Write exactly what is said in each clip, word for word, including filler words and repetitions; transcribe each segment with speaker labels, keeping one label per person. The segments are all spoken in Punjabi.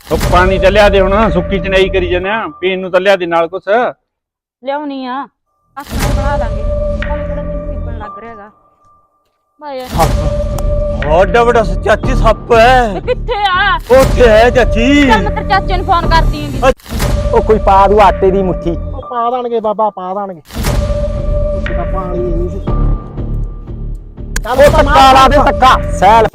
Speaker 1: ਉਹ ਪਾਣੀ ਤਾਂ ਲਿਆ ਦੇ ਹੁਣ, ਸੁੱਕੀ ਚਨਾਈ ਕਰੀ ਜਾਂਦੇ ਆ। ਪੀਣ ਨੂੰ ਤਾਂ ਲਿਆ ਦੇ ਨਾਲ ਕੁਛ।
Speaker 2: ਲਿਆਉਣੀ ਆ, ਆਖਣਾ ਬਣਾ ਦਾਂਗੇ। ਹਾਲੇ ਕਿਹੜਾ ਦਿਨ ਪੀਪਣ ਲੱਗ ਰਿਹਾ ਹੈਗਾ। ਭਾਈ
Speaker 3: ਵੱਡਾ ਵੱਡਾ ਚਾਚੀ ਸੱਪ ਹੈ।
Speaker 2: ਕਿੱਥੇ ਆ?
Speaker 3: ਉੱਥੇ ਹੈ ਚਾਚੀ।
Speaker 2: ਚੱਲ ਮੈਂ ਤੇਰੇ ਚਾਚੇ ਨੂੰ ਫੋਨ ਕਰਦੀ ਆਂਗੀ।
Speaker 3: ਉਹ ਕੋਈ ਪਾ ਦੂ ਆਟੇ ਦੀ ਮੁੱਠੀ।
Speaker 4: ਉਹ ਪਾ ਦੇਣਗੇ ਬਾਬਾ, ਪਾ ਦੇਣਗੇ। ਉੱਥੇ ਤਾਂ ਪਾਣੀ ਨਹੀਂ ਸੀ।
Speaker 3: ਉਹ ਧੱਕਾ ਲਾ ਦੇ, ਧੱਕਾ ਸੈਲ।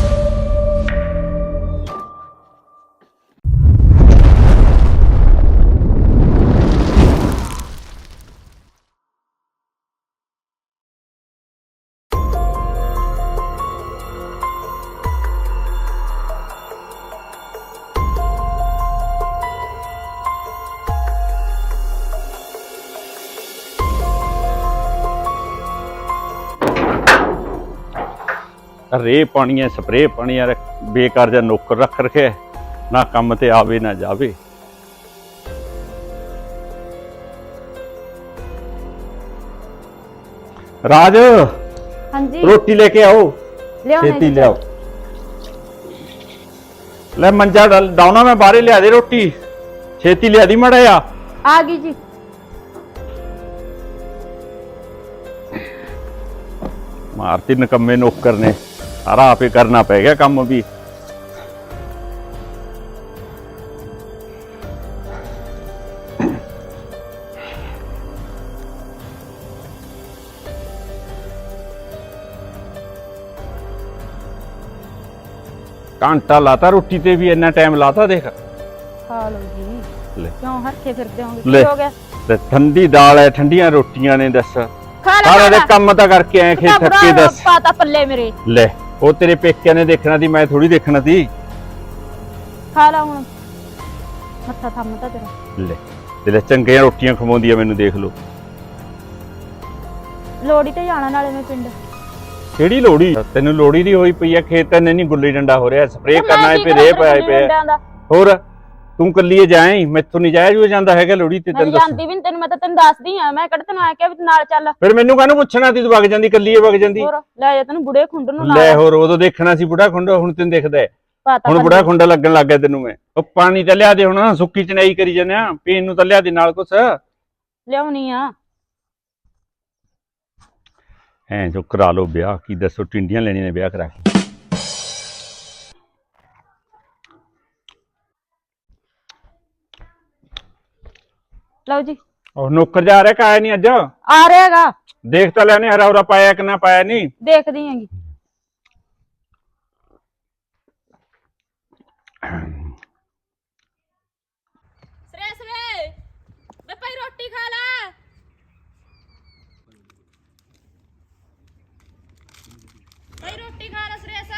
Speaker 1: ਰੇ ਪਾਣੀ ਹੈ, ਸਪਰੇ ਪਾਣੀ ਯਾਰ, ਬੇਕਾਰ ਜਿਹਾ ਨੌਕਰ ਰੱਖ ਰਖਿਆ, ਨਾ ਕੰਮ ਤੇ ਆਵੇ ਨਾ ਜਾਵੇ। ਰਾਜ
Speaker 2: ਹਾਂਜੀ
Speaker 1: ਰੋਟੀ ਲੈ ਕੇ ਆਓ,
Speaker 2: ਲਿਆਉਣੇ
Speaker 1: ਛੇਤੀ ਲਿਆਓ। ਲੈ ਮੰਜਾ ਡਾਉਣਾ, ਮੈਂ ਬਾਹਰੇ ਲਿਆ ਦੇ ਰੋਟੀ, ਛੇਤੀ ਲਿਆ ਦੀ ਮੜਾ ਆ।
Speaker 2: ਆ ਗਈ ਜੀ।
Speaker 1: ਮਾਰਤੀ ਨਕੰਮੇ ਨੌਕਰ ਨੇ, ਸਾਰਾ ਆਪੇ ਕਰਨਾ ਪੈ ਗਿਆ ਕੰਮ ਵੀ। ਘੰਟਾ ਲਾਤਾ ਰੋਟੀ ਤੇ ਵੀ, ਇੰਨਾ ਟਾਈਮ ਲਾਤਾ ਦੇਖ।
Speaker 2: ਖਾ ਲਓ ਜੀ।
Speaker 1: ਲੈ
Speaker 2: ਕਿਉਂ ਹਰਖੇ ਫਿਰਦੇ ਹੋਗੇ?
Speaker 1: ਲੈ।
Speaker 2: ਕੀ ਹੋ ਗਿਆ?
Speaker 1: ਤੇ ਠੰਡੀ ਦਾਲ ਹੈ, ਠੰਡੀਆਂ ਰੋਟੀਆਂ ਨੇ, ਦੱਸ
Speaker 2: ਖਾ ਲੈ
Speaker 1: ਸਾਰਾ ਦੇ ਕੰਮ ਤਾਂ ਕਰਕੇ ਆਏ ਖੇਤ ਥੱਕੇ। ਦੱਸ
Speaker 2: ਪਾਤਾ ਪੱਲੇ ਮੇਰੇ।
Speaker 1: ਲੈ, ਉਹ ਤੇਰੇ ਪੇਕਿਆਂ ਨੇ ਦੇਖਣਾ ਸੀ, ਮੈਂ ਥੋੜੀ ਦੇਖਣਾ ਸੀ।
Speaker 2: ਖਾ ਲਾ ਹੁਣ, ਮੱਥਾ ਥੰਮਦਾ ਤੇਰਾ।
Speaker 1: ਲੈ ਤੇ ਲੈ, ਚੰਗੀਆਂ ਰੋਟੀਆਂ ਖਵਾਉਂਦੀ ਆ ਮੈਨੂੰ, ਦੇਖ ਲਓ।
Speaker 2: ਲੋੜੀ ਤੇ ਜਾਣਾ ਨਾਲੇ ਮੈਂ ਪਿੰਡ।
Speaker 1: ਕਿਹੜੀ ਲੋੜੀ? ਤੈਨੂੰ ਲੋੜੀ ਦੀ ਹੋਈ ਪਈ ਆ, ਖੇਤ ਤਾਂ ਨਹੀਂ ਗੁੱਲੀ ਡੰਡਾ ਹੋ ਰਿਹਾ, ਸਪਰੇਅ ਕਰਨਾ ਹੈ, ਫਿਰ ਰੇ ਪਾਏ ਪਿਆ। ਹੋਰ ਤੂੰ ਕੱਲੀਏ ਜਾਏ, ਮੈਥੋਂ ਨਹੀਂ ਜਾਇਆ ਜੂ ਜਾਂਦਾ ਹੈਗਾ ਲੋੜੀ ਤੇ।
Speaker 2: ਮੈਂ
Speaker 1: ਤੈਨੂੰ ਦੱਸ
Speaker 2: ਜਾਂਦੀ ਵੀ ਨੀ, ਤੈਨੂੰ ਮੈਂ ਤਾਂ ਤੈਨੂੰ ਦੱਸਦੀ ਆ। ਮੈਂ ਕਿਹੜਾ ਤੈਨੂੰ ਆ ਕੇ ਵੀ ਤੂੰ ਨਾਲ ਚੱਲ।
Speaker 1: ਫਿਰ ਮੈਨੂੰ ਕਾਹਨੂੰ ਪੁੱਛਣਾ ਸੀ, ਤੂੰ ਵਗ ਜਾਂਦੀ, ਕੱਲੀਏ ਵਗ ਜਾਂਦੀ।
Speaker 2: ਹੋਰ ਲੈ ਜਾ, ਤੈਨੂੰ ਬੁੜੇ ਖੁੰਡ ਨੂੰ ਲਾ
Speaker 1: ਲੈ ਹੋਰ ਉਦੋਂ ਦੇਖਣਾ ਸੀ ਬੁੜਾ ਖੁੰਡਾ, ਹੁਣ ਤੈਨੂੰ ਦਿਖਦਾ ਹੈ।
Speaker 2: ਪਾਤਾ
Speaker 1: ਹੁਣ ਬੁੜਾ ਖੁੰਡਾ ਲੱਗਣ ਲੱਗ ਗਿਆ ਤੈਨੂੰ ਮੈਂ। ਉਹ ਪਾਣੀ ਤਾਂ ਲਿਆ ਦੇ ਹੁਣ, ਸੁੱਕੀ ਚਨਾਈ ਕਰੀ ਜਾਂਦੇ ਆ। ਪੀਣ ਨੂੰ ਤਾਂ ਲਿਆ ਦੇ ਨਾਲ ਕੁਛ।
Speaker 2: ਲਿਆਉਣੀ ਆ।
Speaker 1: ਐ ਜੋ ਕਰਾ ਲਓ ਵਿਆਹ, ਕੀ ਦੱਸੋ, ਟਿੰਡੀਆਂ ਲੈਣੀਆਂ ਨੇ ਵਿਆਹ ਕਰਾ ਕੇ।
Speaker 2: ਲਓ ਜੀ।
Speaker 1: ਉਹ ਨੌਕਰ ਜਾ ਰਿਹਾ ਕਾਇਆ ਨਹੀਂ ਅੱਜ?
Speaker 2: ਆ ਰਿਹਾ ਹੈਗਾ।
Speaker 1: ਦੇਖ ਤਾਂ ਲੈਣੇ ਹਰਾ ਹੁਰਾ ਪਾਇਆ ਕਿ ਨਾ ਪਾਇਆ ਨਹੀਂ।
Speaker 2: ਦੇਖਦੀ ਹੈਗੀ। ਸਰੇ ਸਰੇ ਵੇ ਭਾਈ ਰੋਟੀ ਖਾ ਲੈ। ਭਾਈ ਰੋਟੀ ਖਾ ਲੈ ਸਰੇਸਾ।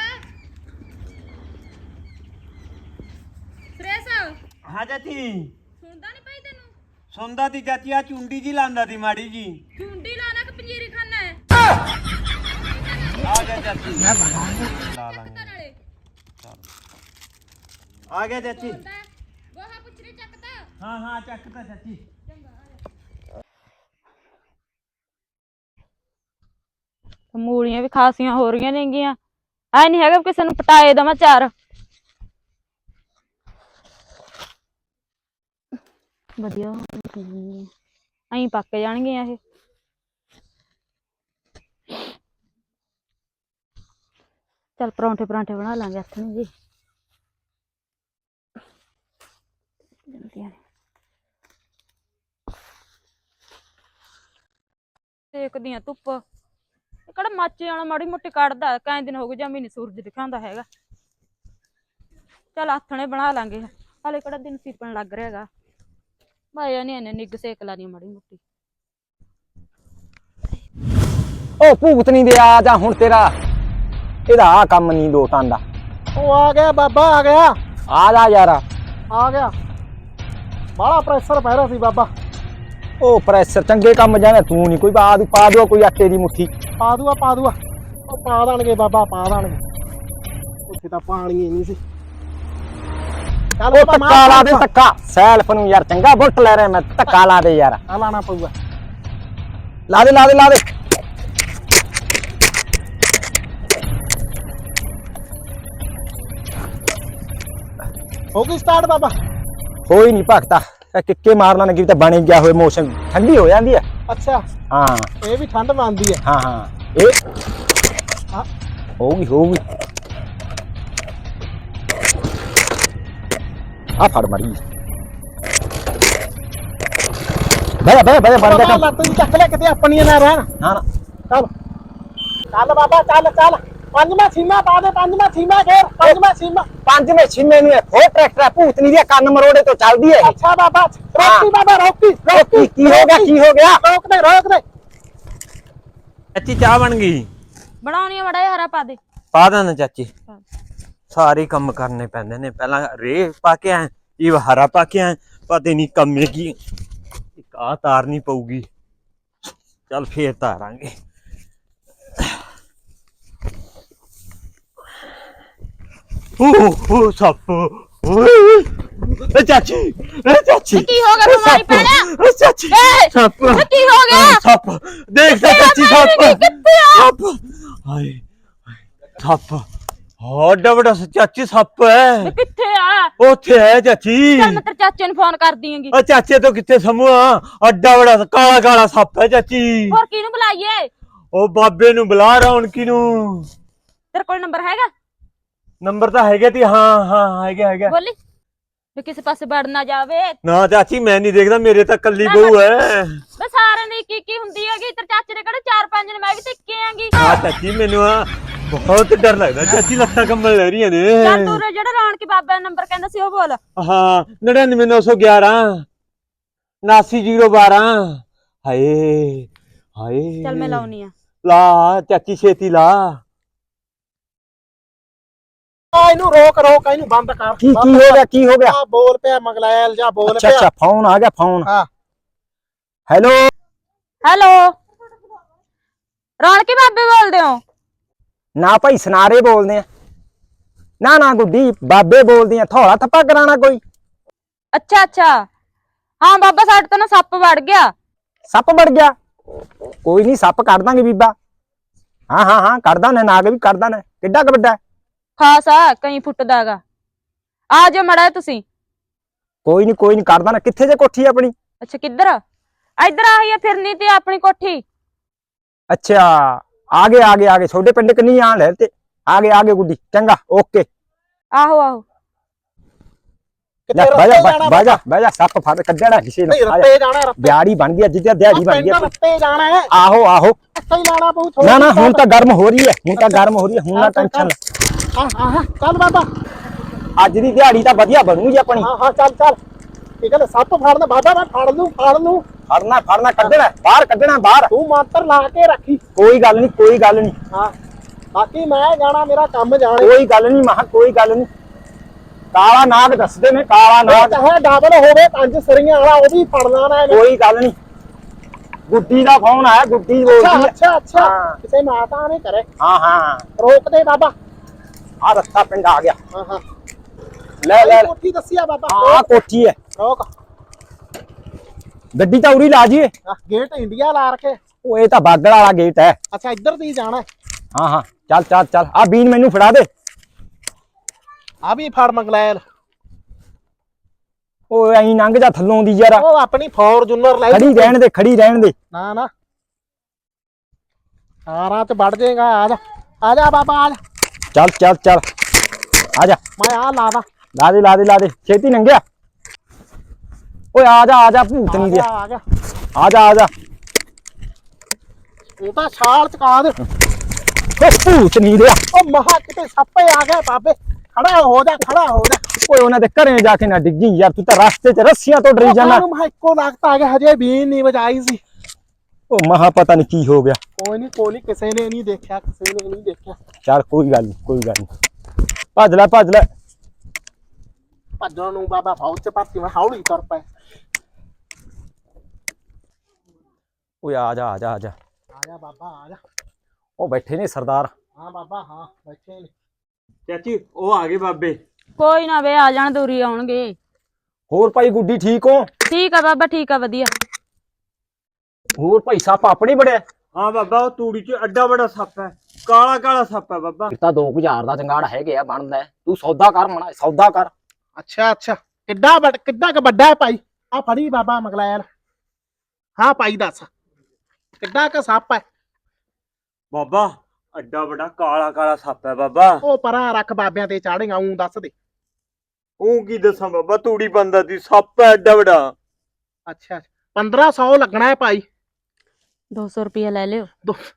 Speaker 2: ਸਰੇਸਾ
Speaker 3: ਹਾਂ ਚਾਚੀ।
Speaker 2: ਸੁਣਦਾ ਨਹੀਂ ਭਾਈ ਤੈਨੂੰ?
Speaker 3: ਸੁਣਦਾ ਤੀ ਚਾਚੀ, ਆ ਚੁੰਡੀ ਜੀ ਲਾਂਦਾ ਤੀ ਮਾੜੀ ਜੀ।
Speaker 2: ਝੁੰਡੀ ਲਾਣਾ ਕਿ ਪੰਜੀਰੀ ਖਾਣਾ ਹੈ?
Speaker 3: ਆ ਗਿਆ ਚਾਚੀ। ਮੈਂ ਲਾ ਲਾਂਗੇ।
Speaker 2: ਨਾਲੇ
Speaker 3: ਆ ਗਿਆ ਚਾਚੀ।
Speaker 2: ਗੋਹਾ ਪੁੱਛਰੇ ਚੱਕਦਾ।
Speaker 3: ਹਾਂ ਹਾਂ ਚੱਕਦਾ ਚਾਚੀ।
Speaker 2: ਮੂਲੀਆਂ ਵੀ ਖਾਸੀਆਂ ਹੋ ਰਹੀਆਂ ਨੇਗੀਆਂ। ਐ ਨਹੀਂ ਹੈਗਾ ਕਿਸੇ ਨੂੰ ਪਟਾਏ ਦਵਾਂ ਚਾਰ। ਵਧੀਆ ਐਂ ਪੱਕ ਜਾਣਗੀਆਂ ਇਹ। ਚੱਲ ਪਰੌਂਠੇ ਪਰਾਂਠੇ ਬਣਾ ਲਾਂਗੇ ਹੱਥ ਨੂੰ ਜੀ। ਦੇਖਦੀ ਆ ਧੁੱਪ ਕਿਹੜਾ ਮੱਚ ਜਾਣਾ, ਮਾੜੀ ਮੋਟੀ ਕੱਢਦਾ। ਕਈ ਦਿਨ ਹੋ ਗਏ ਜਮੀ ਨੀ ਸੂਰਜ ਦਿਖਾਉਂਦਾ ਹੈਗਾ। ਚੱਲ ਆਥਣੇ ਬਣਾ ਲਾਂਗੇ, ਹਾਲੇ ਕਿਹੜਾ ਦਿਨ ਸੀਪਣ ਲੱਗ ਰਿਹਾ ਹੈਗਾ। ਭਾਇਆ ਨੀ ਇਹਨੇ ਨਿੱਗ ਸੇਕ ਲਾਣੀ ਮਾੜੀ ਮੋਟੀ।
Speaker 3: ਉਹ ਭੂਤ ਨਹੀਂ ਦੇ ਆ ਜਾ ਹੁਣ, ਤੇਰਾ ਇਹਦਾ ਆ ਕੰਮ ਨਹੀਂ ਲੋਟਾਂ ਦਾ।
Speaker 4: ਉਹ ਆ ਗਿਆ ਬਾਬਾ, ਆ ਗਿਆ।
Speaker 3: ਆ ਜਾ ਯਾਰ,
Speaker 4: ਆ ਗਿਆ। ਬਾਹਲਾ ਪ੍ਰੈਸ਼ਰ ਪੈ ਰਿਹਾ ਸੀ ਬਾਬਾ।
Speaker 3: ਉਹ ਪ੍ਰੈਸ਼ਰ ਚੰਗੇ ਕੰਮ ਜਾਣਾ, ਤੂੰ ਨਹੀਂ ਕੋਈ ਪਾ ਦੂ ਪਾ ਦੂ ਕੋਈ ਆਟੇ ਦੀ ਮੁੱਠੀ।
Speaker 4: ਪਾ ਦੂਆ ਪਾ ਦੂਆ ਉਹ ਪਾ ਦੇਣਗੇ ਬਾਬਾ, ਪਾ ਦੇਣਗੇ। ਉੱਥੇ ਤਾਂ ਪਾਣੀ ਹੀ ਨਹੀਂ ਸੀ। ਚੱਲ
Speaker 3: ਉਹ ਧੱਕਾ ਲਾ ਦੇ, ਧੱਕਾ ਸੈਲਫ ਨੂੰ ਯਾਰ, ਚੰਗਾ ਬੁੱਟ ਲੈ ਰਿਹਾ ਮੈਂ, ਧੱਕਾ ਲਾ ਦੇ ਯਾਰ।
Speaker 4: ਆ ਲਾਣਾ ਪਊਗਾ।
Speaker 3: ਲਾ ਦੇ ਲਾ ਦੇ ਲਾ ਦੇ।
Speaker 4: ਹੋ ਗਈ ਸਟਾਰਟ ਬਾਬਾ?
Speaker 3: ਹੋਈ ਨਹੀਂ ਭਗਤਾ ਇਹ ਕਿੱਕੇ ਮਾਰਨਾ ਨੇ ਕਿ ਤਾਂ ਬਣ ਗਿਆ ਹੋਏ ਮੌਸਮ ਠੰਡੀ ਹੋ ਜਾਂਦੀ ਹੈ।
Speaker 4: ਅੱਛਾ
Speaker 3: ਹਾਂ
Speaker 4: ਇਹ ਵੀ ਠੰਡ ਮੰਨਦੀ ਹੈ।
Speaker 3: ਹਾਂ ਹਾਂ ਇਹ
Speaker 4: ਹਾਂ
Speaker 3: ਹੋਊਗੀ ਹੋਊਗੀ ਆ ਫੜ ਮਰੀ ਬੈ ਬੈ ਬੈ ਬਣ ਗਿਆ ਕੰਮ।
Speaker 4: ਲੱਤ ਦੀ ਚੱਕ ਲੈ ਕਿਤੇ ਆਪਣੀਆਂ ਨਾ ਰਹਿਣ।
Speaker 3: ਨਾ ਨਾ
Speaker 4: ਚੱਲ ਚੱਲ ਬਾਬਾ ਚੱਲ ਚੱਲ ਪੰਜਵਾਂ ਸੀਮਾ ਪਾ ਦੇ ਪੰਜਵਾਂ ਸੀਮਾ ਘੇਰ ਪੰਜਵਾਂ ਸੀਮਾ।
Speaker 3: ਪੰਜਵੇਂ ਛਿੰਨੇ ਨੂੰ ਹੋਰ ਟਰੈਕਟਰ ਹੈ ਭੂਤਨੀ ਦੇ ਕੰਨ ਮਰੋੜੇ ਤੋਂ ਚੱਲਦੀ ਹੈ ਇਹ।
Speaker 4: ਅੱਛਾ ਬਾਬਾ ਰੋਕੀ ਬਾਬਾ ਰੋਕੀ
Speaker 3: ਰੋਕੀ ਕੀ ਹੋ ਗਿਆ ਕੀ ਹੋ ਗਿਆ
Speaker 4: ਰੋਕ ਦੇ ਰੋਕ ਦੇ।
Speaker 5: ਚਾਚੀ ਚਾਹ ਬਣ ਗਈ।
Speaker 2: ਬਣਾਉਣੀ ਆ ਮੜਾ ਜਿਹਾ ਹਰਾ ਪਾ ਦੇ।
Speaker 5: ਪਾ ਦਾਂ ਨਾ ਚਾਚੀ। ਸਾਰੇ ਕੰਮ ਕਰਨੇ ਪੈਂਦੇ ਨੇ ਪਹਿਲਾਂ ਰੇ ਪਾ ਕੇ ਆਏ ਇਹ ਹਰਾ ਪਾ ਕੇ ਆਏ ਪਤਾ ਨਹੀਂ ਕੰਮੇ ਕੀ ਇੱਕ ਆ ਤਾਰਨੀ ਪਊਗੀ ਚੱਲ ਫੇਰ ਤਾਰਾਂਗੇ। ਓ ਓ ਸੱਪ ਓਏ ਚਾਚੀ ਏ ਚਾਚੀ
Speaker 2: ਕੀ ਹੋ ਗਿਆ ਬਿਮਾਰੀ ਪੈ ਗਿਆ?
Speaker 5: ਓ ਚਾਚੀ
Speaker 2: ਏ,
Speaker 5: ਸੱਪ
Speaker 2: ਕੀ ਹੋ ਗਿਆ?
Speaker 5: ਸੱਪ ਦੇਖ ਤਾਂ ਚਾਚੀ ਸੱਪ
Speaker 2: ਕਿੱਥੇ ਆ?
Speaker 5: ਸੱਪ ਹਾਏ ਸੱਪ ਹਾਂ ਵੱਡਾ ਚਾਚੀ ਸੱਪ ਹੈ
Speaker 2: ਕਿੱਥੇ ਆ?
Speaker 5: ਉੱਥੇ ਹੈ ਚਾਚੀ।
Speaker 2: ਚੱਲ ਮੈਂ ਤੇਰੇ ਚਾਚੇ ਨੂੰ ਫੋਨ ਕਰਦੀ ਆਂਗੀ।
Speaker 5: ਉਹ ਚਾਚੇ ਤੋਂ ਕਿੱਥੇ ਸਮੂਹ ਅੱਡਾ ਬੜਾ ਕਾਲਾ ਕਾਲਾ ਸੱਪ ਹੈ ਚਾਚੀ।
Speaker 2: ਹੋਰ ਕਿਹਨੂੰ ਬੁਲਾਈਏ?
Speaker 5: ਉਹ ਬਾਬੇ ਨੂੰ ਬੁਲਾ ਰੌਣਕੀ ਨੂੰ।
Speaker 2: ਤੇਰੇ ਕੋਲ ਨੰਬਰ ਹੈਗਾ?
Speaker 5: ਨੰਬਰ ਤਾਂ ਹੈਗਾ ਤੀ ਹਾਂ ਹਾਂ ਹੈਗਾ ਹੈਗਾ।
Speaker 2: ਬੋਲੀ ਵੀ ਕਿਸੇ ਪਾਸੇ ਵੜ ਨਾ ਜਾਵੇ।
Speaker 5: ਨਾ ਚਾਚੀ ਮੈਂ ਨਹੀਂ ਦੇਖਦਾ ਮੇਰੇ ਤਾਂ ਕੱਲੀ ਬਹੂ ਹੈ।
Speaker 2: ਬਸ ਸਾਰਿਆਂ ਦੀ ਕੀ ਕੀ ਹੁੰਦੀ ਹੈਗੀ। ਤੇਰੇ ਚਾਚੇ ਦੇ ਕਿਹੜੇ ਚਾਰ ਪੰਜ ਨੇ ਮੈਂ ਵੀ ਟਿੱਕੇ ਆਂਗੀ।
Speaker 5: ਹਾਂ ਚਾਚੀ ਮੈਨੂੰ ਆ ਬਹੁਤ ਡਰ ਲੱਗਦਾ ਚਾਚੀ ਲੱਤਾਂ ਕੰਬਣ ਲੱਗ ਰਹੀਆਂ ਨੇ।
Speaker 2: ਚੱਲ ਤੂੰ ਰੇ ਜਿਹੜਾ ਰੌਣਕੀ ਬਾਬੇ ਦਾ ਨੰਬਰ ਕਹਿੰਦਾ ਸੀ ਉਹ ਬੋਲ।
Speaker 5: ਹਾਂ ਨੜਿਨਵੇਂ ਨੌ ਸੌ ਗਿਆਰਾਂ ਉਨਾਸੀ ਜ਼ੀਰੋ ਬਾਰਾਂ। ਹਾਏ ਹਾਏ
Speaker 2: ਚੱਲ ਮੈਂ ਲਾਉਣੀ ਆ।
Speaker 5: ਲਾ ਚਾਚੀ ਛੇਤੀ ਲਾ।
Speaker 4: ਆ ਇਹਨੂੰ ਰੋਕ ਰੋਕ ਇਹਨੂੰ ਬੰਦ ਕਰ।
Speaker 3: ਕੀ ਕੀ ਹੋ ਗਿਆ ਕੀ ਹੋ ਗਿਆ?
Speaker 4: ਆ ਬੋਲ ਪਿਆ ਮੰਗਲੈਲ ਜਾ ਬੋਲ
Speaker 3: ਅੱਛਾ
Speaker 4: ਪਿਆ।
Speaker 3: ਅੱਛਾ ਫੋਨ ਆ ਗਿਆ ਫੋਨ।
Speaker 4: ਹਾਂ
Speaker 3: ਹੈਲੋ
Speaker 2: ਹੈਲੋ ਰੌਣਕੀ ਬਾਬੇ ਬੋਲਦੇ ਹੋ?
Speaker 3: ਨਾ ਭਾਈ ਸਨਾਰੇ ਬੋਲਦੇ ਆ। ਨਾ ਨਾ ਗੁੱਡੀ ਬਾਬੇ ਬੋਲਦੇ ਆ। ਥੋੜਾ ਥੱਪਾ ਕਰਾਣਾ ਕੋਈ?
Speaker 2: ਅੱਛਾ ਅੱਛਾ ਹਾਂ ਬਾਬਾ ਸਾਡੇ ਤੋਂ ਨਾ ਸੱਪ ਵੜ ਗਿਆ।
Speaker 3: ਸੱਪ ਵੜ ਗਿਆ? ਕੋਈ ਨਹੀਂ ਸੱਪ ਕੱਢ ਦਾਂਗੇ ਬੀਬਾ। ਹਾਂ ਹਾਂ ਹਾਂ ਕੱਢਦਾ ਨੇ ਨਾਗ ਵੀ ਕੱਢਦਾ ਨੇ। ਕਿੱਡਾ ਕੁ ਵੱਡਾ?
Speaker 2: ਖਾਸ ਆ ਕਈ ਫੁੱਟ ਦਾਗਾ। ਆ ਜਾਓ ਮੜਾ ਤੁਸੀਂ।
Speaker 3: ਕੋਈ ਨਹੀਂ ਕੋਈ ਨਹੀਂ ਕੱਢਦਾ ਨਾ। ਕਿੱਥੇ ਜੇ ਕੋਠੀ ਆਪਣੀ?
Speaker 2: ਅੱਛਾ ਕਿੱਧਰ? ਇੱਧਰ ਆਹੀ ਆ ਫਿਰਨੀ ਤੇ ਆਪਣੀ ਕੋਠੀ।
Speaker 3: ਅੱਛਾ ਆ ਗਏ ਆ ਗਏ ਆ ਗਏ ਛੋਟੇ ਪਿੰਡ ਕਿੰਨੀ ਆਣ ਲੈ ਤੇ ਆ ਗਏ ਆ ਗਏ ਗੁੱਡੀ ਚੰਗਾ ਓਕੇ।
Speaker 2: ਆਹੋ ਆਹੋ
Speaker 3: ਲੈ
Speaker 4: ਕਿਤੇ
Speaker 3: ਬਹਿ ਜਾ
Speaker 4: ਰੱਤੇ ਜਾਣਾ
Speaker 3: ਬਹਿ ਜਾ ਬਹਿ ਜਾ ਸੱਪ ਫੜ ਕੱਢਣਾ ਕਿਸੇ
Speaker 4: ਨਹੀਂ
Speaker 3: ਨੂੰ। ਆ ਜਾ।
Speaker 4: ਰੱਤੇ ਜਾਣਾ ਰੱਤੇ
Speaker 3: ਦਿਹਾੜੀ ਬਣ ਗਈ ਅੱਜ ਤੇ ਦਿਹਾੜੀ ਬਣ ਗਈ।
Speaker 4: ਰੱਤੇ ਜਾਣਾ ਹੈ।
Speaker 3: ਆਹੋ ਆਹੋ
Speaker 4: ਰੱਤੇ ਹੀ ਲਾਣਾ ਪਊ।
Speaker 3: ਨਾ ਨਾ ਹੁਣ ਤਾਂ ਗਰਮ ਹੋ ਰਹੀ ਹੈ ਹੁਣ ਤਾਂ ਗਰਮ ਹੋ ਰਹੀ ਹੈ ਹੁਣ ਨਾ ਟੈਨਸ਼ਨ।
Speaker 4: ਹਾਂ ਹਾਂ ਹਾਂ ਚੱਲ ਬਾਬਾ।
Speaker 3: ਅੱਜ ਦੀ ਦਿਹਾੜੀ ਤਾਂ ਵਧੀਆ ਬਣੂਗੀ ਆਪਣੀ।
Speaker 4: ਹਾਂ ਹਾਂ ਚੱਲ ਚੱਲ ਕੀ ਕਹਿੰਦੇ ਸੱਪ ਫੜਨ ਬਾਬਾ ਮੈਂ ਫੜ ਲੂੰ ਫੜ ਲੂੰ।
Speaker 3: ਫੜਨਾ ਫੜਨਾ ਕੱਢਣਾ ਬਾਹਰ ਕੱਢਣਾ ਬਾਹਰ।
Speaker 4: ਤੂੰ ਮੰਤਰ ਲਾ ਕੇ ਰੱਖੀ।
Speaker 3: ਕੋਈ ਗੱਲ ਨਹੀਂ ਕੋਈ ਗੱਲ ਨਹੀਂ
Speaker 4: ਹਾਂ ਬਾਕੀ ਮੈਂ ਜਾਣਾ ਮੇਰਾ ਕੰਮ ਜਾਣੇ।
Speaker 3: ਕੋਈ ਗੱਲ ਨਹੀਂ ਮਹਾ ਕੋਈ ਗੱਲ ਨਹੀਂ। ਕਾਲਾ ਨਾਗ ਦੱਸਦੇ ਨੇ ਕਾਲਾ ਨਾਗ।
Speaker 4: ਚਾਹੇ ਡਬਲ ਹੋਵੇ ਪੰਜ ਸਰੀਆਂ ਵਾਲਾ ਉਹ ਵੀ ਫੜਨਾ ਨਾ।
Speaker 3: ਕੋਈ ਗੱਲ ਨਹੀਂ। ਗੁੱਡੀ ਦਾ ਫੋਨ ਆਇਆ ਗੁੱਡੀ ਬੋਲਦੀ
Speaker 4: ਅੱਛਾ
Speaker 3: ਹੈ।
Speaker 4: ਅੱਛਾ ਅੱਛਾ
Speaker 3: ਹਾਂ।
Speaker 4: ਕਿਸੇ ਮਾਤਾ ਨੇ ਕਰੇ।
Speaker 3: ਹਾਂ ਹਾਂ
Speaker 4: ਰੋਕ ਦੇ ਬਾਬਾ।
Speaker 3: ਆ ਰੱਤਾ ਪਿੰਡ ਆ ਗਿਆ।
Speaker 4: ਹਾਂ ਹਾਂ
Speaker 3: ਲੈ ਲੈ ਲੈ।
Speaker 4: ਕੋਠੀ ਦੱਸਿਆ ਬਾਬਾ।
Speaker 3: ਆ ਕੋਠੀ ਹੈ।
Speaker 4: ਰੋਕ
Speaker 3: ਗੱਡੀ ਤਾਂ ਉਰੀ ਲਾ ਜੀਏ।
Speaker 4: ਆਹ, ਗੇਟ ਇੰਡੀਆ ਲਾ ਰਖੇ।
Speaker 3: ਉਹ ਇਹ ਤਾਂ ਬਾਗੜ ਵਾਲਾ ਗੇਟ ਹੈ।
Speaker 4: ਅੱਛਾ ਇੱਧਰ ਦੀ ਜਾਣਾ।
Speaker 3: ਹਾਂ ਹਾਂ ਚੱਲ ਚੱਲ ਚੱਲ ਆ ਬੀਨ ਮੈਨੂੰ ਫੜਾ ਦੇ।
Speaker 4: ਆ ਵੀ ਫੜ ਮੰਗਲੈਲ।
Speaker 3: ਉਹ ਐਂ ਲੰਘ ਜਾ ਥੱਲੋਂ ਦੀ ਯਾਰ।
Speaker 4: ਉਹ ਆਪਣੀ ਫੋਰਚੂਨਰ ਲੈ
Speaker 3: ਖੜੀ ਰਹਿਣ ਦੇ ਖੜੀ ਰਹਿਣ ਦੇ।
Speaker 4: ਨਾ ਨਾ ਆਰਾਂ ਚ ਵੜ ਜਾਏਗਾ। ਆ ਜਾ ਆ ਜਾ ਬਾਬਾ ਆ ਜਾ।
Speaker 3: ਚੱਲ ਚੱਲ ਚੱਲ ਆ ਜਾ।
Speaker 4: ਮੈਂ ਆ ਲਾ ਦਾ।
Speaker 3: ਲਾ ਦੇ ਲਾ ਦੇ ਲਾ ਦੇ ਛੇਤੀ ਲੰਘਿਆ। ਓਏ ਆ ਜਾ ਆ ਜਾ ਭੂਤਨੀ ਦੇ।
Speaker 4: ਆ ਗਿਆ
Speaker 3: ਆ ਜਾ ਆ ਜਾ।
Speaker 4: ਉਹ ਤਾਂ ਛਾਲ ਚਕਾ ਦੇ।
Speaker 3: ਓ ਭੂਤਨੀ ਦੇ।
Speaker 4: ਉਹ ਮਹਾ ਕਿਤੇ ਸੱਪੇ ਆ ਗਏ ਬਾਬੇ। ਖੜਾ ਹੋ ਜਾ ਖੜਾ ਹੋ ਜਾ।
Speaker 3: ਓਏ ਉਹਨਾਂ ਦੇ ਘਰੇ ਜਾ ਕੇ ਨਾ ਡਿੱਗੀ ਯਾਰ ਤੂੰ ਤਾਂ ਰਸਤੇ 'ਚ ਰੱਸੀਆਂ ਤੋਂ ਡਰੀ ਜਾਣਾ।
Speaker 4: ਉਹ ਮੈਂ ਇੱਕੋ ਲੱਗਦਾ ਆ ਗਿਆ ਹਜੇ ਵੀ ਨਹੀਂ ਵਜਾਈ ਸੀ।
Speaker 3: ਉਹ ਮਹਾ ਪਤਾ ਨਹੀਂ ਕੀ ਹੋ ਗਿਆ।
Speaker 4: ਕੋਈ ਨਹੀਂ ਕੋਈ ਨਹੀਂ ਕਿਸੇ ਨੇ ਨਹੀਂ ਦੇਖਿਆ ਕਿਸੇ ਨੇ ਨਹੀਂ ਦੇਖਿਆ।
Speaker 3: ਚੱਲ ਕੋਈ ਗੱਲ ਨਹੀਂ ਕੋਈ ਗੱਲ ਨਹੀਂ। ਭੱਜ ਲੈ ਭੱਜ ਲੈ।
Speaker 4: ਭੱਜਣ ਨੂੰ ਬਾਬਾ ਫੌਜ ਚ ਭਰਤੀ ਮੈਂ ਹੌਲੀ ਤੁਰ ਪਏ।
Speaker 3: ਓਏ ਆ ਜਾ ਆ ਜਾ ਆ ਜਾ।
Speaker 4: ਆ ਜਾ ਬਾਬਾ ਆ ਜਾ।
Speaker 3: ਉਹ ਬੈਠੇ ਨੇ ਸਰਦਾਰ।
Speaker 4: ਹਾਂ ਬਾਬਾ ਹਾਂ ਬੈਠੇ ਨੇ।
Speaker 5: ਚਾਚੀ ਉਹ ਆ ਗਏ ਬਾਬੇ।
Speaker 2: ਕੋਈ ਨਾ ਵੇ ਆ ਜਾਣ ਦੂਰੀ ਆਉਣਗੇ।
Speaker 3: ਹੋਰ ਭਾਈ ਗੁੱਡੀ ਠੀਕ ਹੋ?
Speaker 2: ਠੀਕ ਆ ਬਾਬਾ ਠੀਕ ਆ ਵਧੀਆ।
Speaker 3: ਹੋਰ ਭਾਈ ਸੱਪ ਆਪਣੇ ਬੜਿਆ।
Speaker 5: ਹਾਂ ਬਾਬਾ ਉਹ ਤੂੜੀ ਚ ਅੱਡਾ ਬੜਾ ਸੱਪ ਹੈ ਕਾਲਾ ਕਾਲਾ ਸੱਪ ਹੈ ਬਾਬਾ।
Speaker 3: ਇਹ ਤਾਂ ਦੋ ਹਜ਼ਾਰ ਦਾ ਚੰਗਾੜ ਹੈਗੇ ਆ ਬਣਦਾ। ਤੂੰ ਸੌਦਾ ਕਰ ਮਣਾ ਸੌਦਾ ਕਰ।
Speaker 4: ਅੱਛਾ ਅੱਛਾ ਕਿੱਡਾ ਵੱਡ ਕਿੱਡਾ ਕ ਵੱਡਾ ਹੈ ਭਾਈ ਆ ਫੜੀ ਬਾਬਾ ਮਗਲੈਲ ਹਾਂ ਭਾਈ ਦੱਸ ਕਿੱਡਾ ਕ ਸੱਪ ਹੈ
Speaker 5: ਬਾਬਾ ਅੱਡਾ ਵੱਡਾ ਕਾਲਾ ਕਾਲਾ ਸੱਪ ਹੈ ਬਾਬਾ।
Speaker 4: ਉਹ ਪਰਾਂ ਰੱਖ ਬਾਬਿਆਂ ਤੇ ਚਾੜੇਗਾ ਉਂ ਦੱਸ ਦੇ
Speaker 5: ਉਹ ਕੀ ਦੱਸਾਂ ਬਾਬਾ ਤੂੜੀ ਬੰਦਾ ਦੀ ਸੱਪ ਹੈ ਐਡਾ ਵੱਡਾ।
Speaker 4: ਅੱਛਾ ਪੰਦਰਾਂ ਸੌ ਲੱਗਣਾ ਹੈ ਭਾਈ
Speaker 2: ਦੋ ਸੌ ਰੁਪਇਆ ਲੈ ਲਿਓ।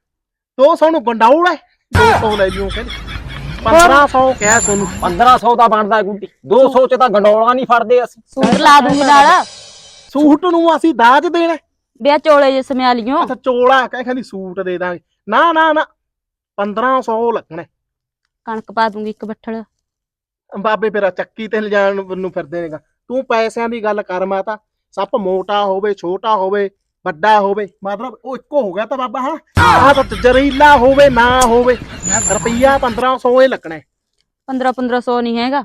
Speaker 4: ਦੋ ਸੌ ਨੂੰ ਗੰਡਾਉੜ ਹੈ ਦੋ ਸੌ ਲੈ ਲਿਓ ਕਹਿੰਦੇ ਪੰਦਰਾਂ ਸੌ ਕਹਿ ਸੋਨੂੰ
Speaker 3: ਪੰਦਰਾਂ ਸੌ ਦਾ ਬਣਦਾ ਗੁੱਡੀ ਦੋ ਸੌ ਚ ਤਾਂ ਗੰਡੋਲਾ ਨਹੀਂ ਫੜਦੇ ਅਸੀਂ।
Speaker 2: ਸੂਟ ਲਾ ਦੂੰਗੀ ਨਾਲ।
Speaker 4: ਸੂਟ ਨੂੰ ਅਸੀਂ ਦਾਜ ਦੇਣਾ
Speaker 2: ਵਿਆਹ ਚੋਲੇ ਜੇ ਸਮਿਆ ਲਿਓ।
Speaker 4: ਅੱਛਾ ਚੋਲਾ ਕਹਿ ਕਹਿੰਦੀ ਸੂਟ ਦੇ ਦਾਂਗੇ ਨਾ ਨਾ ਨਾ ਪੰਦਰਾਂ ਸੌ ਲੱਗਣਾ
Speaker 2: ਕਣਕ ਪਾ ਦੂੰਗੀ ਇੱਕ ਬੱਠਲ।
Speaker 4: ਬਾਬੇ ਮੇਰਾ ਚੱਕੀ ਤੇ ਲਿਜਾਣ ਨੂੰ ਫਿਰਦੇ ਨੇਗਾ ਤੂੰ ਪੈਸਿਆਂ ਦੀ ਗੱਲ ਕਰ ਮਾਤਾ ਸੱਪ ਮੋਟਾ ਹੋਵੇ ਛੋਟਾ ਹੋਵੇ ਵੱਡਾ ਹੋਵੇ ਮਤਲਬ ਉਹ ਇੱਕੋ ਹੋ ਗਿਆ ਤਾਂ ਬਾਬਾ ਹਾਂ ਆਹ ਤਾਂ ਜ਼ਹਿਰੀਲਾ ਹੋਵੇ ਨਾ ਹੋਵੇ ਰੁਪਈਆ ਪੰਦਰਾਂ ਸੌ ਇਹ ਲੱਗਣਾ
Speaker 2: ਪੰਦਰਾਂ ਪੰਦਰਾਂ ਸੌ ਨਹੀਂ ਹੈਗਾ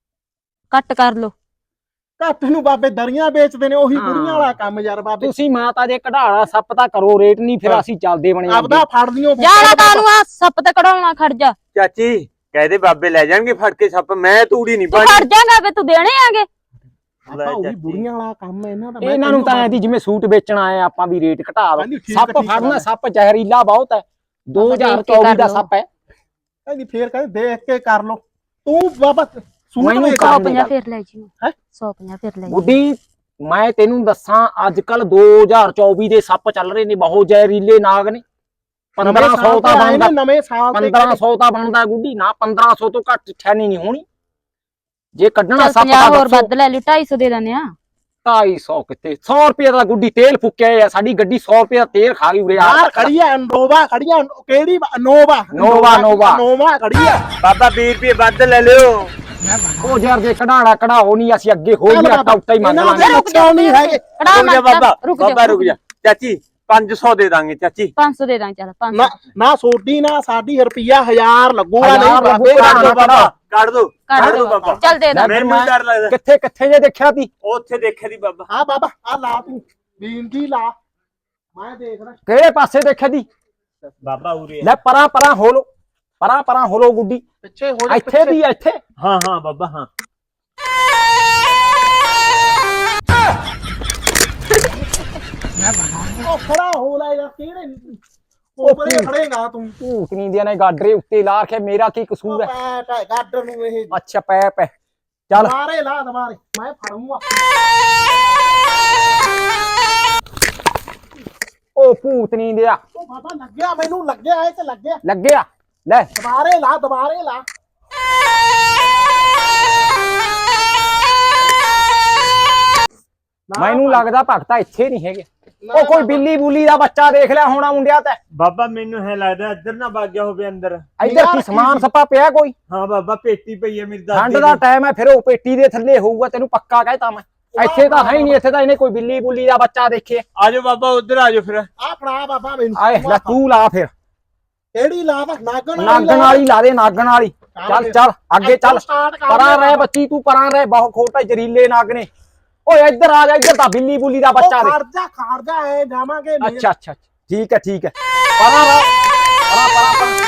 Speaker 2: ਘੱਟ ਕਰ ਲੋ।
Speaker 4: ਘੱਟ ਨੂੰ ਬਾਬੇ ਦਰੀਆਂ ਵੇਚਦੇ ਨੇ ਉਹੀ
Speaker 3: ਹਾਂ।
Speaker 4: ਬੁੜੀਆਂ ਵਾਲਾ ਕੰਮ ਯਾਰ ਬਾਬੇ
Speaker 3: ਤੁਸੀਂ ਮਾਤਾ ਦੇ ਕਢਾਲਾ ਸੱਪ ਤਾਂ ਕਰੋ ਰੇਟ ਨਹੀਂ ਫਿਰ ਅਸੀਂ ਚੱਲਦੇ ਬਣੇ
Speaker 4: ਆਪਦਾ ਫੜ ਲਿਓ
Speaker 2: ਜਾਣਾ ਕਾਨੂੰ ਆ ਸੱਪ ਤੇ ਕਢਾਉਣਾ ਖੜ ਜਾ।
Speaker 5: ਚਾਚੀ ਕਹਦੇ ਬਾਬੇ ਲੈ ਜਾਣਗੇ ਫੜ ਕੇ ਸੱਪ ਮੈਂ ਤੂੜੀ ਨਹੀਂ
Speaker 2: ਤੂੰ
Speaker 5: ਪਾਣੀ।
Speaker 2: ਖੜ ਜਾਗਾ ਵੇ ਤੂੰ ਦੇਣੇ ਆਗੇ।
Speaker 4: ਆਪਾਂ ਉਹੀ ਬੁੜੀਆਂ ਵਾਲਾ ਕੰਮ ਹੈ ਇਹਨਾਂ ਦਾ ਮੈਂ
Speaker 3: ਇਹਨਾਂ ਨੂੰ ਤਾਂ ਐ ਦੀ ਜਿਵੇਂ ਸੂਟ ਵੇਚਣ ਆਏ ਆਪਾਂ ਵੀ ਰੇਟ ਘਟਾ ਦੋ।
Speaker 4: ਕਹਿੰਦੀ ਠੀਕ
Speaker 3: ਸੱਪ
Speaker 4: ਠੀਕ
Speaker 3: ਫੜਨਾ
Speaker 4: ਗੱਲ।
Speaker 3: ਸੱਪ ਜ਼ਹਿਰੀਲਾ ਬਹੁਤ ਹੈ ਦੋ ਹਜ਼ਾਰ ਚੌਵੀ ਦਾ ਸੱਪ ਹੈ।
Speaker 4: ਕਹਿੰਦੀ ਫੇਰ ਕਹਿੰਦੇ ਦੇਖ ਕੇ ਕਰ ਲੋ ਤੂੰ ਬਾਬਾ ਸੂਟ
Speaker 3: ਮੈਨੂੰ
Speaker 4: ਵੇਚ
Speaker 3: ਕਰ
Speaker 2: ਸੌ
Speaker 3: ਦੇ
Speaker 2: ਪੰਜਾਹ
Speaker 3: ਗੱਲ।
Speaker 2: ਫੇਰ ਲੈ ਜੀ
Speaker 4: ਹੈਂ?
Speaker 2: ਸੌ ਪੰਜਾਹ ਫੇਰ ਲੈ ਜੀ।
Speaker 3: ਗੁੱਡੀ ਮੈਂ ਤੈਨੂੰ ਦੱਸਾਂ ਅੱਜ ਕੱਲ ਦੋ ਹਜ਼ਾਰ ਚੌਵੀ ਦੇ ਸੱਪ ਚੱਲ ਰਹੇ ਨੇ ਬਹੁਤ ਜ਼ਹਿਰੀਲੇ ਨਾਗ ਨੇ। ਪੰਦਰਾਂ ਸੌ ਤਾਂ ਬਣਦਾ
Speaker 4: ਨਵੇਂ ਸਾਲ ਤੇ
Speaker 3: ਪੰਦਰਾਂ ਸੌ ਤਾਂ ਬਣਦਾ ਗੁੱਡੀ ਨਾ ਪੰਦਰਾਂ ਸੌ ਤੋਂ ਘੱਟ ਠੈਨੀ ਨਹੀਂ ਹੋਣੀ ਜੇ ਕੱਢਣਾ
Speaker 2: ਚੱਲ
Speaker 3: ਸੱਪ
Speaker 2: ਪੰਜਾਹ
Speaker 3: ਦਾ
Speaker 2: ਹੋਰ ਵੱਧ ਲੈ ਲਿਓ ਢਾਈ ਸੌ ਦੇ ਦਿੰਦੇ ਆ।
Speaker 3: ਢਾਈ ਸੌ ਕਿੱਥੇ ਸੌ ਰੁਪਏ ਦਾ ਗੁੱਡੀ ਤੇਲ ਫੁੱਕਿਆ ਆ ਸਾਡੀ ਗੱਡੀ ਸੌ ਰੁਪਏ ਦਾ ਤੇਲ ਖਾ ਗਈ ਉਰੇ
Speaker 4: ਯਾਰ ਖੜੀ ਆ ਨੋਵਾ ਖੜੀ ਆ ਕਿਹੜੀ ਨੋਵਾ
Speaker 3: ਨੋਵਾ, ਨੋਵਾ।
Speaker 4: ਨੋਵਾ ਖੜੀ ਆ
Speaker 5: ਬਾਬਾ ਵੀਹ ਰੁਪਏ ਵੱਧ ਲੈ ਲਿਓ।
Speaker 3: ਉਹ ਯਾਰ ਜੇ ਕਢਾਣਾ ਕਢਾਓ ਨਹੀਂ ਅਸੀਂ ਅੱਗੇ ਹੋ
Speaker 4: ਚੱਲ
Speaker 3: ਗਿਆ
Speaker 4: ਬਾਬਾ,
Speaker 3: ਟੌਟਾ ਹੀ ਮੰਗ
Speaker 4: ਇਹਨਾਂ ਦੇ
Speaker 3: ਲਾਂਗੇ
Speaker 4: ਰੁਕ ਜਾਓ ਨਹੀਂ ਹੈਗੇ
Speaker 2: ਕੜਾ
Speaker 5: ਰੁਕ ਜਾ ਬਾਬਾ
Speaker 2: ਰੁਕ
Speaker 5: ਬਾਬਾ
Speaker 2: ਜਾ
Speaker 5: ਰੁਕ ਜਾ ਚਾਚੀ ਪੰਜ ਸੌ ਦੇ ਦਾਂਗੇ ਚਾਚੀ।
Speaker 2: ਪੰਜ ਸੌ ਦੇ ਦਾਂ ਚੱਲ ਪੰਜ
Speaker 4: ਨਾ
Speaker 2: ਸੌ
Speaker 4: ਨਾ ਸੋਡੀ ਨਾ ਸਾਡੀ ਰੁਪਿਆ ਹਜ਼ਾਰ ਲੱਗੂਗਾ
Speaker 3: ਹਜ਼ਾਰ
Speaker 4: ਨਹੀਂ ਬਾਬੇ
Speaker 3: ਲੱਗੂਗਾ।
Speaker 5: ਕੱਢ ਦੋ ਬਾਬਾ ਕੱਢ ਦੋ
Speaker 2: ਕੱਢ
Speaker 5: ਕੱਢ ਦੋ
Speaker 2: ਦੋ
Speaker 5: ਬਾਬਾ।
Speaker 2: ਚੱਲ ਦੇ ਦਾਂ।
Speaker 5: ਮੈਨੂੰ ਡਰ ਲੱਗਦਾ
Speaker 3: ਕਿੱਥੇ ਕਿੱਥੇ ਜੇ ਦੇਖਿਆ ਤੀ
Speaker 5: ਉੱਥੇ ਦੇਖਿਆ ਦੀ ਬਾਬਾ।
Speaker 4: ਆ ਬਾਬਾ ਆ ਲਾ ਤੂੰ ਬੀਨ ਦੀ ਲਾ ਮੈਂ ਦੇਖਦਾ
Speaker 3: ਕਿਹੜੇ ਪਾਸੇ ਦੇਖਿਆ ਤੀ
Speaker 5: ਬਾਬਾ ਉਰੇ
Speaker 3: ਲੈ ਪਰਾਂ ਪਰਾਂ ਹੋਲੋ ਪਰਾਂ ਪਰਾਂ ਹੋਲੋ ਗੁੱਡੀ
Speaker 4: ਪਿੱਛੇ ਹੋ ਜਾ
Speaker 3: ਇੱਥੇ ਵੀ ਆ, ਇੱਥੇ
Speaker 5: ਹਾਂ ਹਾਂ ਬਾਬਾ ਹਾਂ।
Speaker 4: ਉਹ ਖੜਾ ਹੋ ਲੈ ਯਾਰ ਕਿਹੜੇ ਉਹ ਪਰੇ ਖੜੇਗਾ ਤੂੰ
Speaker 3: ਭੂਤ ਨਹੀਂ ਦੀਆਂ ਨੇ ਗਾਡਰੇ ਉੱਤੇ ਲਾ ਕੇ ਮੇਰਾ ਕੀ ਕਸੂਰ ਹੈ।
Speaker 4: ਪੈਟ ਹੈ ਗਾਡਰ ਨੂੰ ਇਹ
Speaker 3: ਅੱਛਾ ਪੈ ਪੈ ਚੱਲ
Speaker 4: ਦੁਬਾਰੇ ਲਾ ਦੁਬਾਰੇ ਮੈਂ ਫੜੂੰਗਾ
Speaker 3: ਉਹ ਭੂਤ ਨਹੀਂ ਦਿਆ
Speaker 4: ਉਹ ਬਾਬਾ ਲੱਗਿਆ ਮੈਨੂੰ ਲੱਗਿਆ ਇਹ ਤੇ ਲੱਗਿਆ
Speaker 3: ਲੱਗਿਆ ਲੈ
Speaker 4: ਦੁਬਾਰੇ ਲਾ ਦੁਬਾਰੇ ਲਾ ਨਾ
Speaker 3: ਮੈਨੂੰ
Speaker 4: ਭਾਈ,
Speaker 3: ਲੱਗਦਾ ਭਗਤਾ ਇੱਥੇ ਨਹੀਂ ਹੈਗੇ
Speaker 4: ਨਾ
Speaker 3: ਉਹ ਕੋਈ
Speaker 4: ਬਾਬਾ,
Speaker 3: ਬਿੱਲੀ ਬੁੱਲੀ ਦਾ ਬੱਚਾ ਦੇਖ ਲਿਆ ਹੋਣਾ ਮੁੰਡਿਆ ਤੇ
Speaker 5: ਬਾਬਾ ਮੈਨੂੰ ਹੈ ਲੱਗਦਾ ਇੱਧਰ ਨਾ ਵਗ ਗਿਆ ਹੋਵੇ ਅੰਦਰ।
Speaker 3: ਇੱਧਰ
Speaker 4: ਨਿਗਾਹ
Speaker 3: ਕੀ
Speaker 4: ਰੱਖੀ
Speaker 3: ਸਮਾਨ
Speaker 4: ਸੀ।
Speaker 3: ਸੱਪਾ ਪਿਆ ਕੋਈ
Speaker 5: ਹਾਂ ਬਾਬਾ ਪੇਟੀ ਪਈ ਹੈ ਮੇਰੀ ਦਾਦੀ
Speaker 3: ਠੰਡ ਦਾ ਟਾਈਮ ਹੈ ਫਿਰ ਉਹ ਪੇਟੀ ਦੇ ਥੱਲੇ ਹੋਊਗਾ ਤੈਨੂੰ ਪੱਕਾ ਕਹਿਤਾ ਮੈਂ ਇੱਥੇ ਤਾਂ ਹੈ ਹੀ ਨਹੀਂ ਇੱਥੇ ਤਾਂ ਇਹਨੇ ਕੋਈ ਬਿੱਲੀ ਬੁੱਲੀ ਦਾ ਬੱਚਾ ਦੇਖੇ
Speaker 5: ਆਜੋ ਬਾਬਾ ਉਧਰ ਆਜੋ ਫਿਰ।
Speaker 4: ਆ ਫੜਾ ਬਾਬਾ ਮੈਨੂੰ
Speaker 3: ਆਏ ਲੈ ਤੂੰ ਲਾ ਫਿਰ
Speaker 4: ਕਿਹੜੀ ਲਾ ਦਾ ਨਾਗਣ
Speaker 3: ਨਾਗਣ ਵਾਲੀ ਲਾ ਦੇ ਨਾਗਣ ਵਾਲੀ ਚੱਲ ਚੱਲ ਅੱਗੇ ਚੱਲ
Speaker 4: ਸਟਾਰਟ ਕਰ
Speaker 3: ਪਰਾਂ ਰਹਿ ਬੱਚੀ ਤੂੰ ਪਰਾਂ ਰਹਿ ਬਹੁਤ ਖੋਟਾ ਜ਼ਰੀਲੇ ਨਾਗ ਨੇ ਓਏ ਇੱਧਰ ਆ ਜਾ ਇੱਧਰ ਤਾਂ ਬਿੱਲੀ ਬੁੱਲੀ ਦਾ ਬੱਚਾ ਦੇ
Speaker 4: ਖੜਦਾ ਖੜਦਾ ਐ ਜਾਵਾਂਗੇ ਨਹੀਂ।
Speaker 3: ਅੱਛਾ ਅੱਛਾ ਠੀਕ ਹੈ ਠੀਕ ਹੈ ਪਰਾਂ ਰਹਿ ਪਰਾਂ ਪਰਾਂ ਪਰਾਂ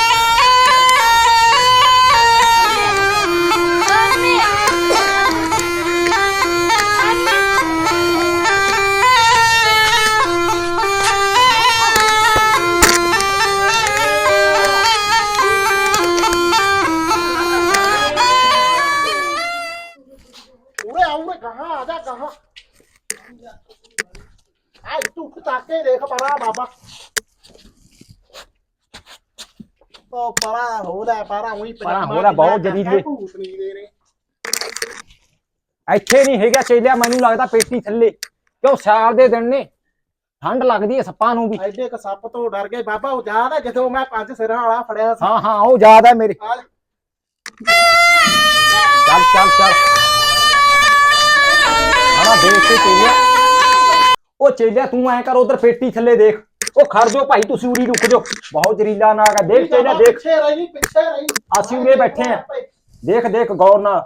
Speaker 4: ਉਰੇ ਆਉਰੇ ਕਹਾਂ ਆ ਜਾ ਕਹਾਂ ਆ ਤੂੰ ਤਾਕੇ ਦੇਖ ਪਰਾ ਬਾਬਾ ਉਹ ਪਰਾ ਹੋ ਲੈ ਪਰਾ ਉਹੀ
Speaker 3: ਪਰਾਂ ਹੋ ਲੈ, ਬਹੁਤ ਜ਼ਰੀਲੇ।
Speaker 4: ਭੂਤਨੀ ਦੇ ਨੇ
Speaker 3: ਇੱਥੇ ਨਹੀਂ ਹੈਗਾ ਚੇਲਿਆ ਮੈਨੂੰ ਲੱਗਦਾ ਪੇਟੀ ਥੱਲੇ ਕਿਉਂ ਸਿਆਲ ਦੇ ਦਿਨ ਨੇ ਠੰਡ ਲੱਗਦੀ ਹੈ ਸੱਪਾਂ ਨੂੰ ਵੀ
Speaker 4: ਐਡੇ ਕ ਸੱਪ ਤੋਂ ਡਰ ਗਏ ਬਾਬਾ ਉਹ ਯਾਦ ਹੈ ਜਦੋਂ ਮੈਂ ਪੰਜ ਸਿਰਾਂ ਵਾਲਾ ਫੜਿਆ ਸੀ
Speaker 3: ਹਾਂ ਹਾਂ ਉਹ ਯਾਦ ਹੈ ਮੇਰੇ
Speaker 4: ਆ ਲੈ।
Speaker 3: ਚੱਲ ਚੱਲ ਚੱਲ ਹਾਂ ਦੇਖ ਕੇ ਚੇਲਿਆ ਉਹ ਚੇਲਿਆ ਤੂੰ ਐ ਕਰ ਉਧਰ ਪੇਟੀ ਥੱਲੇ ਦੇਖ ਉਹ ਖੜ ਜਾਓ ਭਾਈ ਤੁਸੀਂ ਉਰੀ ਰੁਕ ਜਾਓ ਬਹੁਤ ਜ਼ਰੀਲਾ ਨਾਗ ਹੈ ਦੇਖ ਚੇਲਿਆ ਦੇਖ
Speaker 4: ਪਿੱਛੇ ਰਹੀ ਪਿੱਛੇ ਰਹੀ
Speaker 3: ਅਸੀਂ ਉਰੇ ਬੈਠੇ ਆ ਦੇਖ ਦੇਖ ਗੌਰ ਨਾਲ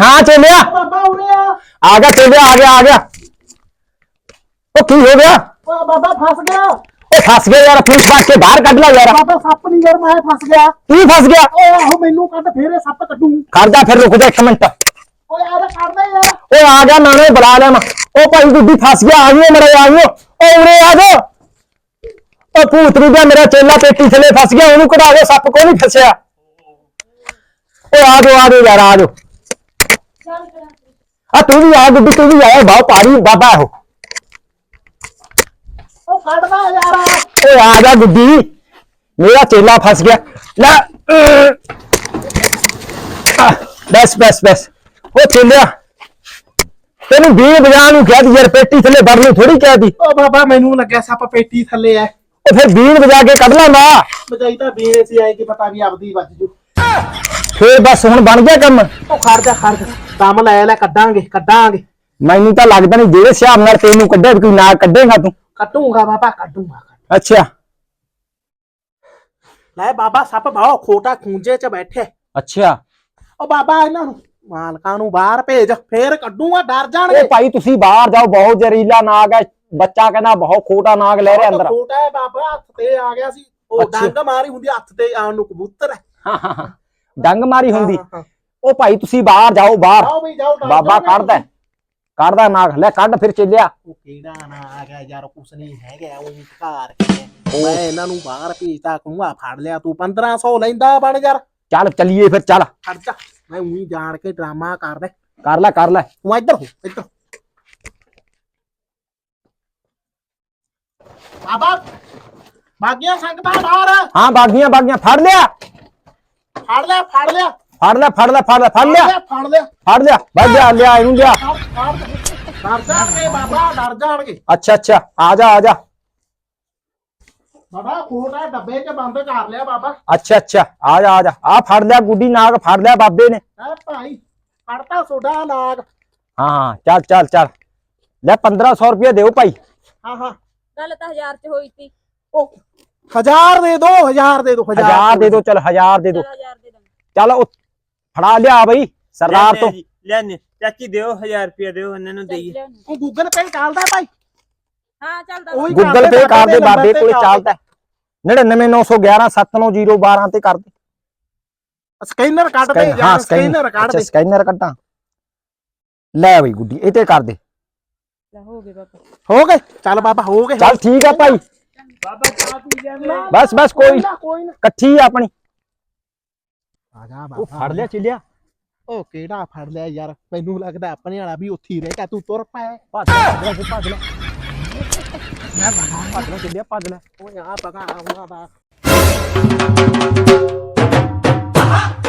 Speaker 3: ਹਾਂ ਚੇਲਿਆ
Speaker 4: ਬਾਬਾ ਉਰੇ ਆ
Speaker 3: ਆ ਗਿਆ ਚੇਲਿਆ ਆ ਗਿਆ ਆ ਗਿਆ ਉਹ ਕੀ ਹੋ ਗਿਆ
Speaker 4: ਓ ਬਾਬਾ ਫਸ ਗਿਆ
Speaker 3: ਉਹ ਫਸ ਗਿਆ ਯਾਰ ਪੁਲਿਸ ਬਾਕ ਕੇ ਬਾਹਰ ਕੱਢ ਲਾ ਯਾਰ
Speaker 4: ਬਾਬਾ ਸੱਪ ਨਹੀਂ ਯਾਰ ਮੈਂ ਫਸ ਗਿਆ
Speaker 3: ਕੀ ਫਸ ਗਿਆ
Speaker 4: ਓ ਆਹੋ ਮੈਨੂੰ ਕੱਢ ਫੇਰੇ ਸੱਪ ਕੱਢੂ
Speaker 3: ਖੜ ਜਾ ਫਿਰ ਰੁਕ ਜਾ ਇੱਕ ਮਿੰਟ
Speaker 4: ਓ ਯਾਰ ਕੱਢ ਦੇ ਯਾਰ
Speaker 3: ਓਏ ਆ ਗਿਆ ਮੈਂ ਉਹਨੂੰ ਬੁਲਾ ਲਿਆ ਮੈਂ ਉਹ ਭਾਈ ਗੁੱਡੀ ਫਸ ਗਿਆ ਆ ਗਈ ਮਰੇ ਆ ਗਈ ਓ ਉਰੇ ਆ ਜਾ ਉਹ ਭੂਤਰੂ ਦਾ ਮੇਰਾ ਚੇਲਾ ਪੇਟੀ ਥੱਲੇ ਫਸ ਗਿਆ ਉਹਨੂੰ ਕਢਾ ਦੇ ਸੱਪ ਕੋਈ ਨਹੀਂ ਫਸਿਆ ਓਏ ਆ ਜਾ ਆ ਜਾ ਯਾਰ ਆ ਜਾ ਆ ਤੂੰ ਵੀ ਆ ਗੁੱਡੀ ਤੂੰ ਵੀ ਆਇਆ ਬਹੁਤ ਭਾਰੀ ਬਾਬਾ ਉਹ
Speaker 4: ਓ ਕੱਢਦਾ ਯਾਰ
Speaker 3: ਓਏ ਆ ਜਾ ਗੁੱਡੀ ਮੇਰਾ ਚੇਲਾ ਫਸ ਗਿਆ ਲੈ ਅਹ, ਬਸ ਬਸ ਬਸ ਉਹ ਚੇਲਿਆ ਤੈਨੂੰ ਵੀਹ ਵਜਾ ਨੂੰ ਕਿਹਾ ਸੀ ਯਾਰ ਪੇਟੀ ਥੱਲੇ ਵੜ ਨੂੰ ਥੋੜੀ ਕਿਹਾ ਸੀ
Speaker 4: ਓ ਬਾਬਾ ਮੈਨੂੰ ਲੱਗਿਆ ਸੱਪ ਪੇਟੀ ਥੱਲੇ ਐ
Speaker 3: ਉਹ ਫਿਰ ਵੀਹ ਵਜਾ ਕੇ ਕੱਢ ਲੈਂਦਾ
Speaker 4: ਬਜਾਈ ਤਾਂ ਬੀਏ ਸੀ ਆਏ ਕਿ ਪਤਾ ਵੀ ਆਪਦੀ ਵੱਜ ਜੂ
Speaker 3: ਫੇਰ ਬਸ ਹੁਣ ਬਣ ਗਿਆ ਕੰਮ
Speaker 4: ਓ ਖੜ ਜਾ ਖੜ ਜਾ ਦਮ ਲੈ ਲੈ ਕੱਢਾਂਗੇ ਕੱਢਾਂਗੇ
Speaker 3: ਮੈਨੂੰ ਤਾਂ ਲੱਗਦਾ ਨਹੀਂ ਜਿਹੜੇ ਹਿਸਾਬ ਨਾਲ ਤੈਨੂੰ ਕੱਢਿਆ ਵੀ ਕੋਈ ਨਾ ਕੱਢੇਗਾ ਤੂੰ
Speaker 4: ਕੱਢੂਗਾ ਬਾਬਾ ਕੱਢੂਗਾ
Speaker 3: ਅੱਛਾ
Speaker 4: ਲੈ ਬਾਬਾ ਸੱਪ ਬਾਹੋ ਖੋਟਾ ਖੂੰਜੇ 'ਚ ਬੈਠੇ
Speaker 3: ਅੱਛਾ
Speaker 4: ਓ ਬਾਬਾ ਇਹਨਾਂ ਨੂੰ ਮਾਲਕਾਂ ਨੂੰ ਬਾਹਰ ਭੇਜ ਫੇਰ ਕੱਢੂਗਾ ਡਰ ਜਾਣਗੇ
Speaker 3: ਉਹ ਭਾਈ ਤੁਸੀਂ ਬਾਹਰ ਜਾਓ ਬਹੁਤ ਜ਼ਹਿਰੀਲਾ ਨਾਗ ਹੈ ਬੱਚਾ ਕਹਿੰਦਾ ਬਹੁਤ ਖੋਟਾ ਨਾਗ ਲੈ ਰਿਹਾ ਅੰਦਰ
Speaker 4: ਛੋਟਾ ਹੈ ਬਾਬਾ ਹੱਥ ਤੇ ਆ ਗਿਆ ਸੀ ਉਹ
Speaker 3: ਅੱਛਾ।
Speaker 4: ਡੰਗ ਮਾਰੀ ਹੁੰਦੀ ਹੱਥ ਤੇ ਆਉਣ ਨੂੰ ਕਬੂਤਰ ਹੈ
Speaker 3: ਹਾਂ ਹਾਂ ਹਾਂ ਡੰਗ ਮਾਰੀ ਹੁੰਦੀ
Speaker 4: ਹਾਂ, ਹਾਂ।
Speaker 3: ਉਹ ਭਾਈ ਤੁਸੀਂ ਬਾਹਰ ਜਾਓ ਬਾਹਰ
Speaker 4: ਆਓ ਵੀ ਜਾਓ ਡਰ
Speaker 3: ਬਾਬਾ
Speaker 4: ਜਾਓਗੇ
Speaker 3: ਕੱਢਦਾ ਹੈ। ਕੱਢਦਾ ਨਾਗ ਲੈ ਕੱਢ ਫਿਰ ਚੱਲਿਆ
Speaker 4: ਉਹ ਕਿਹੜਾ ਨਾ ਆ ਗਿਆ ਯਾਰ ਕੁਛ ਨਹੀਂ ਹੈਗਾ ਉਹ ਘਰ ਕੇ ਮੈਂ ਇਹਨਾਂ ਨੂੰ ਬਾਹਰ ਭੇਜਤਾ ਕਹੂੰਗਾ ਫੜ ਲਿਆ ਤੂੰ ਪੰਦਰਾਂ ਸੌ ਲੈਂਦਾ ਬਣ ਯਾਰ
Speaker 3: ਚੱਲ ਚੱਲੀਏ ਫਿਰ ਚੱਲ
Speaker 4: ਖੜ ਜਾ ਮੈਂ ਉਹੀ ਜਾਣ ਕੇ ਡਰਾਮਾ ਕਰਦਾ
Speaker 3: ਕਰ ਲੈ ਕਰ ਲੈ
Speaker 4: ਤੂੰ ਇੱਧਰ ਹੋ ਇੱਧਰ ਬਾਬਾ ਬਾਗੀਆਂ ਸੰਗਤਾਂ ਬਾਹਰ
Speaker 3: ਹਾਂ ਬਾਗੀਆਂ ਬਾਗੀਆਂ ਫੜ ਲਿਆ
Speaker 4: ਫੜ ਲਿਆ ਫੜ ਲਿਆ
Speaker 3: ਫੜ ਲੈ ਫੜ ਲੈ ਫੜ ਲੈ ਫੜ ਲਿਆ
Speaker 4: ਫੜ ਲਿਆ
Speaker 3: ਫੜ ਲਿਆ ਵੱਜ ਲਿਆ ਲਿਆ ਇਹਨੂੰ ਲਿਆ
Speaker 4: ਫੜ ਫੜ ਡਰ ਜਾਣਗੇ ਬਾਬਾ ਡਰ ਜਾਣਗੇ
Speaker 3: ਅੱਛਾ ਅੱਛਾ ਆ ਜਾ ਆ ਜਾ
Speaker 4: ਬਾਬਾ ਖੋਟਾ ਡੱਬੇ 'ਚ ਬੰਦ ਕਰ ਲਿਆ ਬਾਬਾ
Speaker 3: ਅੱਛਾ ਅੱਛਾ ਆ ਜਾ ਆ ਜਾ ਆ ਫੜ ਲਿਆ ਗੁੱਡੀ ਨਾਗ ਫੜ ਲਿਆ ਬਾਬੇ ਨੇ
Speaker 4: ਐ ਭਾਈ ਫੜਤਾ ਸੋਡਾ ਨਾਗ
Speaker 3: ਹਾਂ ਹਾਂ ਚੱਲ ਚੱਲ ਚੱਲ ਲੈ ਪੰਦਰਾਂ ਸੌ ਰੁਪਏ ਦਿਓ ਭਾਈ
Speaker 4: ਹਾਂ ਹਾਂ
Speaker 2: ਗੱਲ ਤਾਂ ਹਜ਼ਾਰ ਚ ਹੋਈ ਸੀ
Speaker 4: ਉਹ ਹਜ਼ਾਰ ਦੇ ਦੋ ਹਜ਼ਾਰ ਦੇ ਦੋ
Speaker 3: ਹਜ਼ਾਰ ਦੇ ਦੋ ਚੱਲ ਹਜ਼ਾਰ ਦੇ ਦੋ
Speaker 2: ਚਲ ਹਜ਼ਾਰ ਦੇ ਦਾਂਗੇ
Speaker 3: ਚੱਲ ਉਹ ਫੜਾ ਲਿਆ ਬਈ ਸਰਦਾਰ ਤੋਂ
Speaker 5: ਲੈਣੇ ਚਾਚੀ ਦਿਓ ਹਜ਼ਾਰ ਰੁਪਇਆ ਦਿਓ ਇਹਨਾਂ ਨੂੰ
Speaker 2: ਚੱਲ
Speaker 5: ਦੇਈਏ
Speaker 2: ਲਿਆਉਣੀ।
Speaker 4: ਉਹ ਗੂਗਲ ਪੇ ਚੱਲਦਾ ਭਾਈ
Speaker 2: ਹਾਂ ਚੱਲਦਾ
Speaker 4: ਉਹੀ
Speaker 3: ਗੂਗਲ ਪੇ ਕਰ ਦੇ ਬਾਬੇ ਕੋਲੇ ਚੱਲਦਾ ਨੜਿਨਵੇਂ ਨੌ ਸੌ ਗਿਆਰਾਂ ਸੱਤ ਨੌ ਜ਼ੀਰੋ ਬਾਰਾਂ ਤੇ ਕਰ ਦੇ
Speaker 4: ਸਕੈਨਰ ਕੱਢ ਦੇ
Speaker 3: ਹਾਂ
Speaker 4: ਯਾਰ ਸਕੈਨਰ ਕੱਢ
Speaker 3: ਅੱਛਾ
Speaker 4: ਦੇ
Speaker 3: ਸਕੈਨਰ ਕੱਢਾਂ ਲੈ ਬਈ ਗੁੱਡੀ ਇਹ ਤੇ ਕਰ ਦੇ
Speaker 2: ਲੈ ਹੋ ਗਏ ਬਾਬਾ
Speaker 4: ਹੋ ਗਏ ਚੱਲ ਬਾਬਾ ਹੋ ਗਏ
Speaker 3: ਚੱਲ ਠੀਕ ਆ ਭਾਈ
Speaker 4: ਬਾਬਾ ਚਾਹ ਪੀ ਜਾਂਦੇ
Speaker 3: ਬਸ ਬਸ ਕੋਈ
Speaker 4: ਨਾ ਕੋਈ ਨਾ
Speaker 3: ਇਕੱਠੀ ਆ ਆਪਣੀ
Speaker 4: ਆ ਜਾ
Speaker 3: ਉਹ
Speaker 4: ਬਾਬਾ
Speaker 3: ਫੜ ਲਿਆ ਚੱਲਿਆ
Speaker 4: ਉਹ ਕਿਹੜਾ ਫੜ ਲਿਆ ਯਾਰ ਮੈਨੂੰ ਲੱਗਦਾ ਆਪਣੇ ਵਾਲਾ ਵੀ ਉੱਥੇ ਹੀ ਰਹਿ ਗਿਆ ਤੂੰ ਤੁਰ ਪੈ
Speaker 3: ਭੱਜ ਲੈ ਭੱਜ ਲੈ ਭੱਜ ਲੈ ਚੱਲਿਆ ਭੱਜ ਲੈ
Speaker 4: ਓਏ ਆ ਪਗਾ ਆਉਣਾ ਦਾ